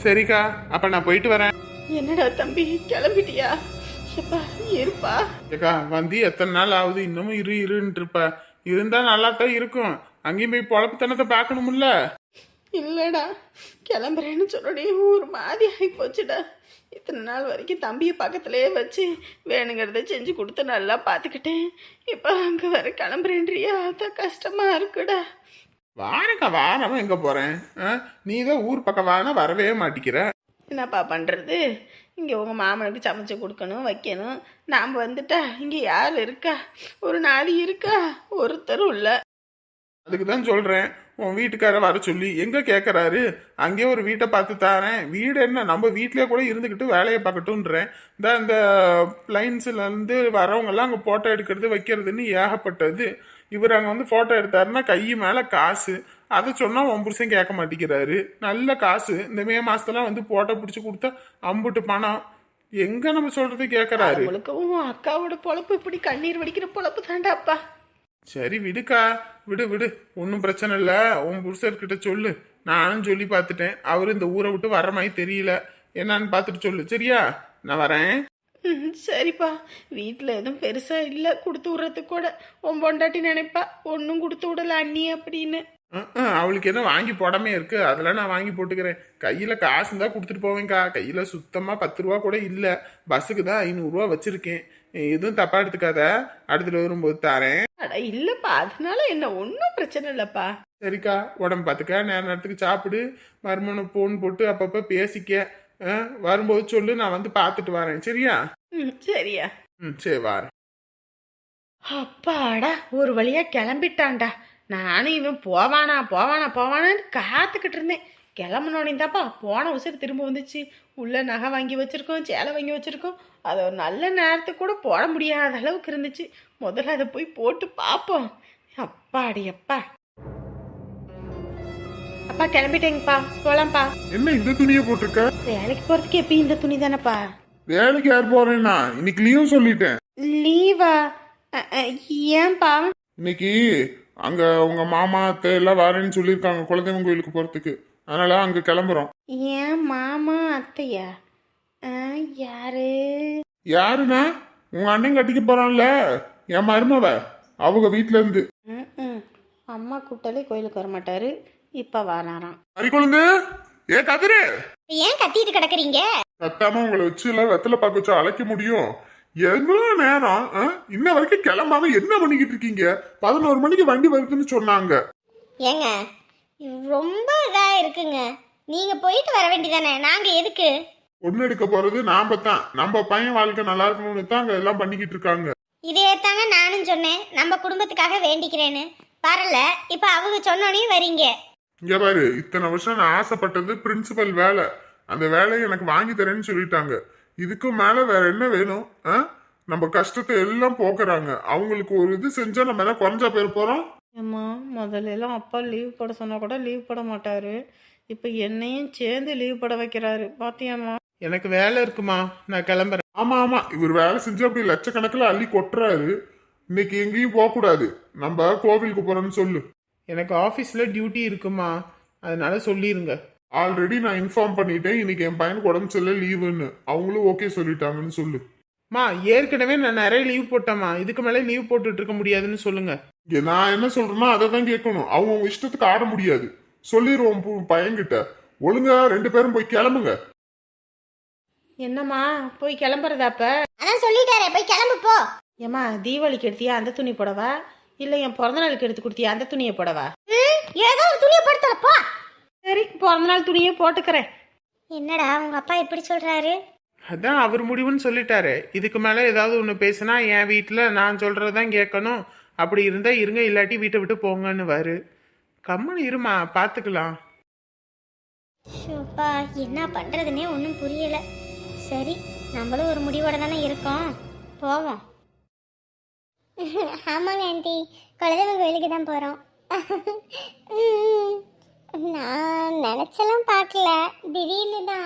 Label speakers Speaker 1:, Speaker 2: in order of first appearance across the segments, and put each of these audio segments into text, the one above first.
Speaker 1: சரிக்கா, அப்ப நான் போயிட்டு வரேன்.
Speaker 2: என்னடா தம்பி கிளம்பிட்டியா? எப்பா இருப்பா.
Speaker 1: ஏக்கா வந்து எத்தனை நாள் ஆகுது, இன்னமும் இருன்ட்டு இருப்ப. இருந்தா நல்லா தான் இருக்கும். அங்கேயும் போய் பொழப்புத்தனத்தை பார்க்கணும்ல.
Speaker 2: இல்லடா கிளம்புறேன்னு சொன்னோடனே ஒரு மாதிரி ஆகி போச்சுடா. இத்தனை நாள் வரைக்கும் தம்பியை பக்கத்துலேயே வச்சு வேணுங்கிறத செஞ்சு கொடுத்து நல்லா பார்த்துக்கிட்டேன். இப்போ அங்கே வர கிளம்புறேன்றியா? அதான் கஷ்டமா இருக்குடா.
Speaker 1: வாரக்கா, வாரமா எங்க போறேன்? நீ தான் ஊர் பக்கம் வானா வரவே மாட்டிக்கிற.
Speaker 2: என்னப்பா பண்ணுறது? இங்கே உங்கள் மாமனுக்கு சமைச்சு கொடுக்கணும் வைக்கணும். நாம் வந்துட்டா இங்கே யார் இருக்கா? ஒரு நாதி இருக்கா? ஒருத்தரும் இல்லை.
Speaker 1: அதுக்கு தான் சொல்றேன், உன் வீட்டுக்கார வர சொல்லி. எங்க கேட்கறாரு? அங்கேயே ஒரு வீட்டை பார்த்து தாரேன். வீடு என்ன, நம்ம வீட்டிலே கூட இருந்துக்கிட்டு வேலையை பார்க்கட்டும்ன்றேன். இந்த பிளைன்ஸ்ல இருந்து வரவங்க எல்லாம் அங்கே போட்டோ எடுக்கிறது வைக்கிறதுன்னு ஏகப்பட்டது. இவர் அங்கே வந்து போட்டோ எடுத்தாருன்னா கை மேல காசு. அதை சொன்னா உன் புருஷன் கேட்க மாட்டேங்கிறாரு. நல்ல காசு. இந்த மே மாசத்துல வந்து போட்டோ பிடிச்சி கொடுத்தா அம்புட்டு பணம். எங்க நம்ம சொல்றது கேட்கறாரு?
Speaker 2: உங்களுக்கு உன் அக்காவோட பொழப்பு இப்படி கண்ணீர் வடிக்கிற பொழப்பு தாண்டாப்பா.
Speaker 1: சரி விடுக்கா, விடு விடு, ஒன்றும் பிரச்சனை இல்லை. உன் புருஷர்கிட்ட சொல்லு. நானும் சொல்லி பார்த்துட்டேன். அவரு இந்த ஊரை விட்டு வர்ற மாதிரி தெரியல. என்னன்னு பார்த்துட்டு சொல்லு. சரியா? நான் வரேன்.
Speaker 2: சரிப்பா. வீட்டில் எதுவும் பெருசாக இல்லை கொடுத்து விட்றதுக்கு கூட. உன் பொண்டாட்டி நினைப்பா ஒன்றும் கொடுத்து விடல அண்ணி அப்படின்னு.
Speaker 1: அவளுக்கு என்ன வாங்கி போடாமே இருக்கு, அதெல்லாம் நான் வாங்கி போட்டுக்கிறேன். கையில காசு தான் கொடுத்துட்டு போவேன்க்கா. கையில சுத்தமா 10 ரூபா கூட இல்ல. பஸ்ஸுக்கு தான் 500 ரூபா வச்சிருக்கேன். எதுவும் தப்பா எடுத்துக்காத, அடுத்துட்டு வரும்போது தாரேன்.
Speaker 2: அட இல்லப்பா, அதனால என்ன ஒன்றும் பிரச்சனை இல்லப்பா.
Speaker 1: சரிக்கா, உடம்பு பார்த்துக்க, நேரத்துக்கு சாப்பிடு. மருமனை போன் போட்டு அப்பப்ப பேசிக்க. வரும்போது சொல்லு, நான் வந்து பார்த்துட்டு வரேன். சரியா?
Speaker 2: சரியா.
Speaker 1: சரி வரேன்.
Speaker 2: அப்பாடா, ஒரு வழியா கிளம்பிட்டான்டா. நானும் இவன் போவானா போவானா போவானான்னு காத்துக்கிட்டு இருந்தேன். கிளம்புனோடனே தாப்பா போன உசர் திரும்ப வந்துச்சு. உள்ள நகை வாங்கி வச்சிருக்கோம், சேலை வாங்கி வச்சிருக்கோம். அதை ஒரு நல்ல நேரத்துக்கு கூட போட முடியாத அளவுக்கு இருந்துச்சு. முதல்ல அதை போய் போட்டு பார்ப்போம். அப்பாடி அப்பா. அப்பா கிளம்பிட்டேங்கப்பா, போலாம்ப்பா.
Speaker 1: என்ன இந்த துணியை போட்டிருக்க?
Speaker 2: வேலைக்கு போறதுக்கு எப்பயும் இந்த துணி தானப்பா.
Speaker 1: வேலைக்கு யார் போறேன்னா? இன்னைக்கு லீவும் சொல்லிட்டேன்.
Speaker 2: லீவா? ஏன்பா?
Speaker 1: இன்னைக்கு அங்க உங்க மாமா அத்தை எல்லாம் வரேன்னு சொல்லியிருக்காங்க குலதெய்வம் கோயிலுக்கு போறதுக்கு. அதனால அங்க கிளம்புறோம்.
Speaker 2: ஏன் மாமா அத்தையா? யாரு?
Speaker 1: யாருன்னா உங்க அண்ணன் கட்டிக்க போறான்ல, என் மருமவ. அவங்க வீட்டுல இருந்து.
Speaker 2: அம்மா கூப்பிட்டாலே கோயிலுக்கு வர மாட்டாரு. இப்ப வராராம்.
Speaker 1: அரிக்குழந்து, ஏ கதிரு,
Speaker 3: ஏன் கத்திட்டு கிடக்குறீங்க?
Speaker 1: கத்தாம உங்களை வச்சு எல்லாம் வெத்தலை பார்க்க வச்சு அழைக்க முடியும்? எவ்வளவு நேரம்? இன்ன வரைக்கும் கிளம்பாம என்ன பண்ணிக்கிட்டு இருக்கீங்க? 11 மணிக்கு வண்டி வருதுன்னு சொன்னாங்க.
Speaker 3: ஏங்க ரொம்ப இதா இருக்குங்க. நீங்க போயிட்டு வர வேண்டியதானே, நாங்க எதுக்கு?
Speaker 1: ஒண்ணு எடுக்க போறது நாம தான். நம்ம பையன் வாழ்க்கை நல்லா இருக்கணும்னு தான் அங்க எல்லாம் பண்ணிக்கிட்டு இருக்காங்க.
Speaker 3: இதே தாங்க நானும் சொன்னேன், நம்ம குடும்பத்துக்காக வேண்டிக்கிறேன்னு. வரல, இப்ப அவங்க சொன்னோனையும் வரீங்க.
Speaker 1: இங்க பாரு, இத்தனை வருஷம் நான் ஆசைப்பட்டது பிரின்சிபல் வேலை. அந்த வேலையை எனக்கு வாங்கி தரேன்னு சொல்லிட்டாங்க. இதுக்கும் மேல வேற என்ன வேணும்? நம்ம கஷ்டத்தை எல்லாம் போக்குறாங்க. அவங்களுக்கு ஒரு இது செஞ்சா நம்ம என்ன குறைஞ்சா பேர் போறோம்?
Speaker 2: அம்மா முதல்ல எல்லாம் அப்பா லீவ் போட சொன்னா கூட லீவ் போட மாட்டாரு. இப்ப என்னையும் சேர்ந்து லீவ் போட வைக்கிறாரு. பாத்தியாம்மா? எனக்கு வேலை இருக்குமா, நான் கிளம்புறேன்.
Speaker 1: ஆமா ஆமா, இவர் வேலை செஞ்சு அப்படி லட்சக்கணக்கில் அள்ளி கொட்டுறாரு. இன்னைக்கு எங்கேயும் போக கூடாது, நம்ம கோவிலுக்கு போறோம்னு சொல்லு.
Speaker 2: எனக்கு ஆஃபீஸில் டியூட்டி இருக்குமா, அதனால சொல்லிடுங்க.
Speaker 1: ஆல்ரெடி நான் இன்ஃபார்ம் பண்ணிட்டேன். இன்னைக்கு என் பையனுக்கு உடம்பு சரியில்லை, லீவுன்னு. அவங்களும் ஓகே சொல்லிட்டாங்கன்னு சொல்லு.
Speaker 2: மா ஏற்கனவே நான் நிறைய லீவ் போட்டேம்மா. இதுக்கு மேலே லீவ் போட்டுட்டு இருக்க முடியாதுன்னு சொல்லுங்க.
Speaker 1: நான் என்ன சொல்றேன்னா அதை தான் கேட்கணும். அவங்க இஷ்டத்துக்கு ஆட முடியாது. சொல்லிடுவோம் பையன்கிட்ட. ஒழுங்கா 2 பேரும் போய் கிளம்புங்க.
Speaker 2: என்னம்மா போய் கிளம்புறதாப்ப?
Speaker 3: அதான் சொல்லிட்டாரே, போய் கிளம்பு போ.
Speaker 2: ஏம்மா தீபாவளிக்கு எடுத்தியா அந்த துணி போடவா, இல்லை என் பிறந்த நாளுக்கு எடுத்து கொடுத்தியா அந்த துணியை போடவா?
Speaker 3: ஏதோ ஒரு துணியை போடுத்தல போ.
Speaker 2: சரி, பிறந்த நாள் துணியை போட்டுக்கிறேன்.
Speaker 3: என்னடா உங்க அப்பா இப்படி சொல்றாரு?
Speaker 2: அதான் அவர் முடிவுன்னு சொல்லிட்டாரு. இதுக்கு மேலே ஏதாவது ஒன்று பேசுனா என் வீட்டில் நான் சொல்கிறதான் கேட்கணும். அப்படி இருந்தால் இருங்க, இல்லாட்டி வீட்டை விட்டு போங்கன்னு வாரு. கம்முன்னு இருமா, பார்த்துக்கலாம்.
Speaker 3: ஷோப்பா, என்ன பண்றதுன்னே ஒன்றும் புரியல. சரி, நம்மளும் ஒரு முடிவோட தானே இருக்கோம், போவோம். ஆமாங்க ஆண்டி, குலதெய்வம் கோயிலுக்கு தான் போகிறோம். நான் நினச்செல்லாம் பார்க்கல, திடீர்னு தான்.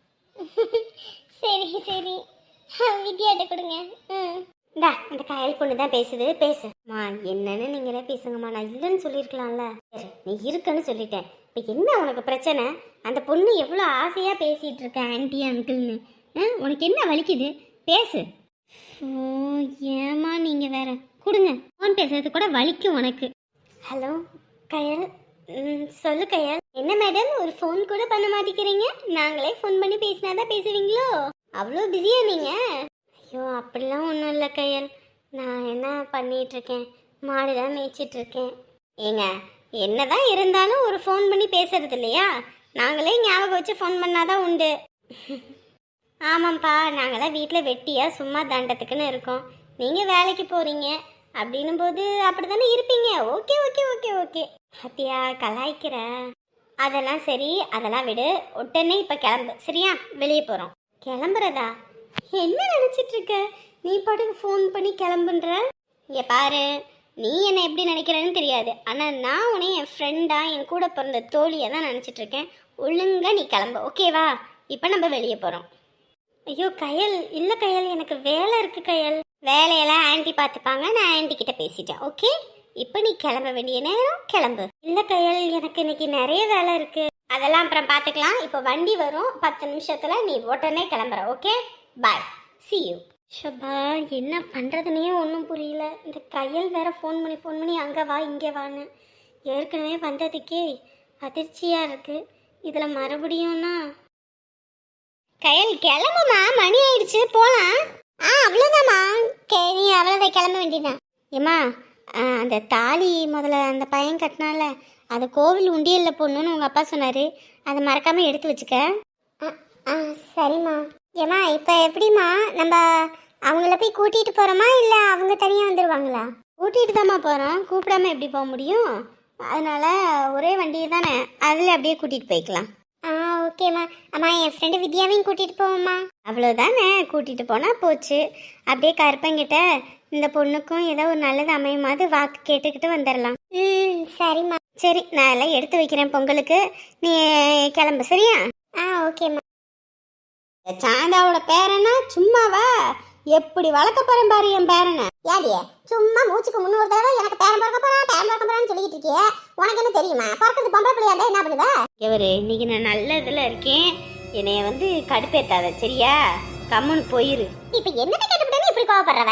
Speaker 3: சரி சரி, வித்யாட்ட கொடுங்க. இந்தா, அந்த காயல் பொண்ணு தான் பேசுது, பேசுமா. என்னன்னு நீங்களே பேசுங்கம்மா, நான் இல்லைன்னு சொல்லியிருக்கலாம்ல. சரி, நீ இருக்குன்னு சொல்லிட்டேன். இப்போ என்ன உனக்கு பிரச்சனை? அந்த பொண்ணு எவ்வளோ ஆசையாக பேசிகிட்டு இருக்க ஆன்ட்டி அங்கிள்னு. உனக்கு என்ன வலிக்குது? பேசு. ஓ ஏமா நீங்கள் வேற கொடுங்க. ஃபோன் பேசுறது கூட வலிக்கும் உனக்கு. ஹலோ கயல். சொல்லு கயல். என்ன மேடம் ஒரு ஃபோன் கூட பண்ண மாட்டேங்கிறீங்க? நாங்களே ஃபோன் பண்ணி பேசினாதான் பேசுவீங்களோ? அவ்வளோ பிஸியா நீங்கள்? ஐயோ அப்படிலாம் ஒன்றும் இல்லை கயல். நான் என்ன பண்ணிகிட்ருக்கேன், மாடு தான் மேய்ச்சிட்ருக்கேன். ஏங்க என்னதான் இருந்தாலும் ஒரு ஃபோன் பண்ணி பேசுறது இல்லையா? நாங்களே ஞாபகம் வச்சு ஃபோன் பண்ணாதான் உண்டு. ஆமாம்ப்பா, நாங்களாம் வீட்டில் வெட்டியாக சும்மா தண்டத்துக்குன்னு இருக்கோம். நீங்கள் வேலைக்கு போகிறீங்க அப்படின்னும் போது அப்படி தானே இருப்பீங்க. Okay okay okay okay. ஹத்தியா கலாய்க்கிற. அதெல்லாம் சரி, அதெல்லாம் விடு. உடனே இப்போ கிளம்பு சரியா? வெளியே போகிறோம். கிளம்புறதா? என்ன நினச்சிட்ருக்க நீ? பாட்டுக்கு ஃபோன் பண்ணி கிளம்புன்ற. இங்கே பாரு, நீ என்னை எப்படி நினைக்கிறேன்னு தெரியாது, ஆனால் நான் உன்னை என் ஃப்ரெண்டாக என் கூட பிறந்த தோழியை தான் நினச்சிட்ருக்கேன். ஒழுங்கா நீ கிளம்பு ஓகேவா? இப்போ நம்ம வெளியே போகிறோம். ஐயோ கயல், இல்லை கயல், எனக்கு வேலை இருக்குது கயல். வேலையெல்லாம் ஆன்ட்டி பார்த்துப்பாங்க, நான் ஆன்ட்டி கிட்ட பேசிட்டேன். ஓகே, இப்போ நீ கிளம்ப வேண்டிய நேரம் கிளம்பு. இல்லை கயல், எனக்கு இன்னைக்கு நிறைய வேலை இருக்குது. அதெல்லாம் அப்புறம் பார்த்துக்கலாம். இப்போ வண்டி வரும் 10 நிமிஷத்தில், நீ உடனே கிளம்புற. Okay bye, see you. ஷபா, என்ன பண்ணுறதுனே ஒன்றும் புரியல. இந்த கையல் வேற ஃபோன் பண்ணி அங்கே வா இங்கே வான்னு. ஏற்கனவே வந்ததுக்கே அதிர்ச்சியாக இருக்குது, இதில் மறுபடியும்னா. கையல் கிளம்புமா, மணி ஆயிடுச்சு, போகலாம். அவ்வளோதாம்மா. நீ அவ்வளோதான், கிளம்ப வேண்டியதான். ஏம்மா, அந்த தாலி முதல்ல அந்த பையன் கட்டினால அது கோவில் உண்டியலில் போடணுன்னு உங்கள் அப்பா சொன்னார். அதை மறக்காமல் எடுத்து வச்சுக்க. சரிம்மா. ஏம்மா இப்போ எப்படிம்மா, நம்ம அவங்கள போய் கூட்டிகிட்டு போகிறோமா இல்லை அவங்க தனியாக வந்துடுவாங்களா? கூட்டிகிட்டு தாம்மா போகிறோம், கூப்பிடாம எப்படி போக முடியும்? அதனால் ஒரே வண்டியை தானே, அதில் அப்படியே கூட்டிகிட்டு போய்க்கலாம். ஓகேம்மா. அம்மா என் ஃப்ரெண்டு வித்யாவையும் கூட்டிகிட்டு போவோம்மா. அவ்வளோதானே, கூட்டிகிட்டு போனால் போச்சு. அப்படியே கருப்பங்கிட்ட இந்த பொண்ணுக்கும் ஏதோ ஒரு நல்லது அமையுமாது வாக்கு கேட்டுக்கிட்டு வந்துடலாம். சரிம்மா. சரி, நான் எல்லாம் எடுத்து வைக்கிறேன் பொங்கலுக்கு, நீ கிளம்பு சரியா? ஓகேம்மா. சாந்தாவோட பேரனா சும்மாவா? எப்படி வளர்க்க போறேன் பாரு என் பேரனை. ஏடியே சும்மா மூச்சுக்கு 300 தடவை எனக்கு பேரன் பிறக்க போறான்னு சொல்லிட்டு இருக்கியே, உனக்கு என்ன தெரியுமா? பிறக்கிறது பொம்பளை பிள்ளையா இருந்தா என்ன பண்ணுவ? இவரு இன்னைக்கு நான் நல்ல இதுல இருக்கேன், என்னைய வந்து கடுப்பேத்தாத சரியா? கம்முன்னு போயிரு. இப்ப என்னத்தை கேட்டுவிட்டேன்னு இப்படி கோவப்படுறவ?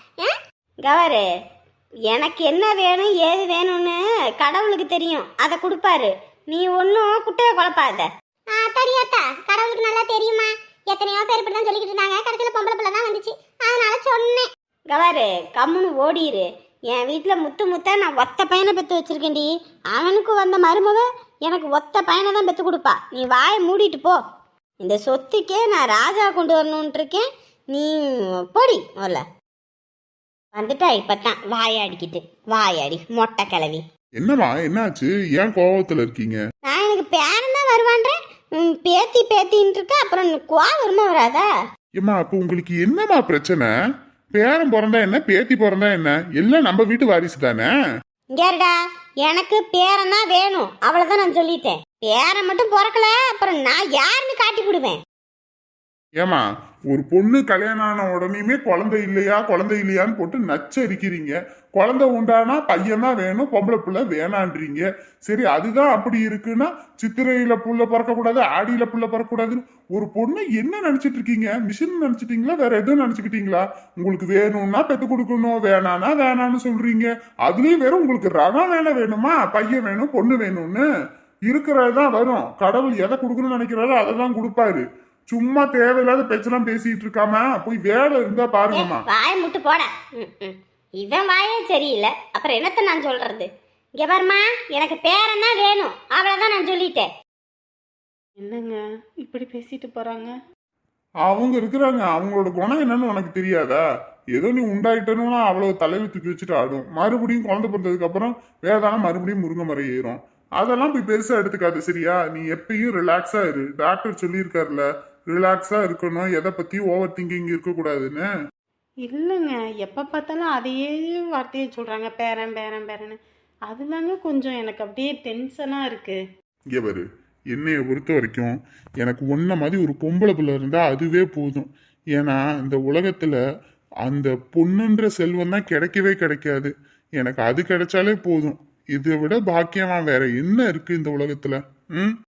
Speaker 3: கவரு, எனக்கு என்ன வேணும் ஏது வேணும்னு கடவுளுக்கு தெரியும், அதை கொடுப்பாரு. நீ ஒன்றும் குட்டையை குழப்பாத. தடியாத்தா, கடவுளுக்கு நல்லா தெரியுமா? எத்தனையோ பேர் இப்படி தான் சொல்லிக்கிட்டு இருந்தாங்க, கடைசியில் பொம்பளை பிள்ளை தான் வந்துச்சு, அதனால சொன்னேன். கவாரு, கம்முன்னு ஓடிரு. என் வீட்டில் முத்தா நான் ஒத்த பையனை பெற்று வச்சிருக்கேன்டி. அவனுக்கு வந்த மருமக எனக்கு ஒத்த பையனை தான் பெற்று கொடுப்பா. நீ வாயை மூடிட்டு போ. இந்த சொத்துக்கே நான் ராஜா கொண்டு வரணுன்ட்டு இருக்கேன், நீ போடி முதல்ல. வந்துட்டா இப்பத்தான் வாயாடிக்கிட்டு, வாயாடி மொட்டை கிளவி.
Speaker 1: என்னம்மா என்னாச்சு? ஏன் கோவத்துல இருக்கீங்க?
Speaker 3: நான் எனக்கு பேரன் தான் வருவான்றேன், பேத்தின்னு இருக்க, அப்புறம் கோவமா வராதா?
Speaker 1: ஏம்மா அப்ப உங்களுக்கு என்னம்மா பிரச்சனை? பேரன் பிறந்தா என்ன, பேத்தி பிறந்தா என்ன, எல்லாம் நம்ம வீட்டு வாரிசு தானே.
Speaker 3: இங்கேடா, எனக்கு பேரன் தான் வேணும், அவ்வளவுதான் நான் சொல்லிட்டேன். பேரன் மட்டும் பிறக்கல, அப்புறம் நான் யாருன்னு காட்டி விடுவேன்.
Speaker 1: ஏமா, ஒரு பொண்ணு கல்யாணம் ஆன உடனேயுமே குழந்தை இல்லையான்னு போட்டு நச்சரிக்கிறீங்க. குழந்தை உண்டானா பையன் தான் வேணும், பொம்பளை பிள்ளை வேணான்றீங்க. சரி, அதுதான் அப்படி இருக்குன்னா சித்திரையில புள்ள பிறக்கக்கூடாது, ஆடியில புள்ள பிறக்கக்கூடாதுன்னு ஒரு பொண்ணு என்ன நினைச்சிட்டு இருக்கீங்க? மிஷின் நினைச்சிட்டீங்களா, வேற எதுவும் நினைச்சுக்கிட்டீங்களா? உங்களுக்கு வேணும்னா பெத்து கொடுக்கணும், வேணானா வேணான்னு சொல்றீங்க. அதுலயும் வேற உங்களுக்கு ரகம் வேணுமா, பையன் வேணும் பொண்ணு வேணும்னு இருக்கிறதுதான் வரும். கடவுள் எதை கொடுக்கணும்னு நினைக்கிறாரோ அதை தான் கொடுப்பாரு. சும்மா தேவையில்லாத பேச்செல்லாம் பேசிட்டு இருக்காம போய் வேலை இருந்தா பாருங்கம்மா.
Speaker 3: வாய முட்டு போட. இவன் வாயே சரியில்லை, அப்புறம் என்னத்த நான் சொல்றது? இங்க பாருமா, எனக்கு பேரன் தான் வேணும், அவ்வளவுதான் நான் சொல்லிட்டேன்.
Speaker 2: என்னங்க இப்படி பேசிட்டு போறாங்க?
Speaker 1: அவங்க இருக்கிறாங்க, அவங்களோட குணம் என்னன்னு உனக்கு தெரியாதா? ஏதோ நீ உண்டாயிட்டனும்னா அவ்வளவு தலையில தூக்கி வச்சுட்டு ஆடும். மறுபடியும் குழந்தை பிறந்ததுக்கு அப்புறம் வேதானம் மறுபடியும் முருங்கை மரம் ஏறும். அதெல்லாம் போய் பெருசா எடுத்துக்காது சரியா? நீ எப்பயும் ரிலாக்ஸா இரு. டாக்டர் சொல்லியிருக்காருல, ரிலாக்ஸா இருக்கணும், எதை பத்தியும் ஓவர் திங்கிங் இருக்கக்கூடாதுன்னு.
Speaker 2: இல்லைங்க, எப்போ பார்த்தாலும் அதையே வார்த்தையை சொல்கிறாங்க, பேரன்னு. அதுதாங்க கொஞ்சம் எனக்கு அப்படியே டென்ஷனாக இருக்குது.
Speaker 1: இங்கே பாரு, என்னைய பொறுத்த வரைக்கும் எனக்கு ஒன்றை மாதிரி ஒரு பொம்பளை பிள்ளை இருந்தால் அதுவே போதும். ஏன்னா இந்த உலகத்தில் அந்த பொண்ணுன்ற செல்வம் தான் கிடைக்கவே கிடைக்காது. எனக்கு அது கிடைச்சாலே போதும். இதை விட பாக்கியமா வேற என்ன இருக்கு இந்த உலகத்துல? ம்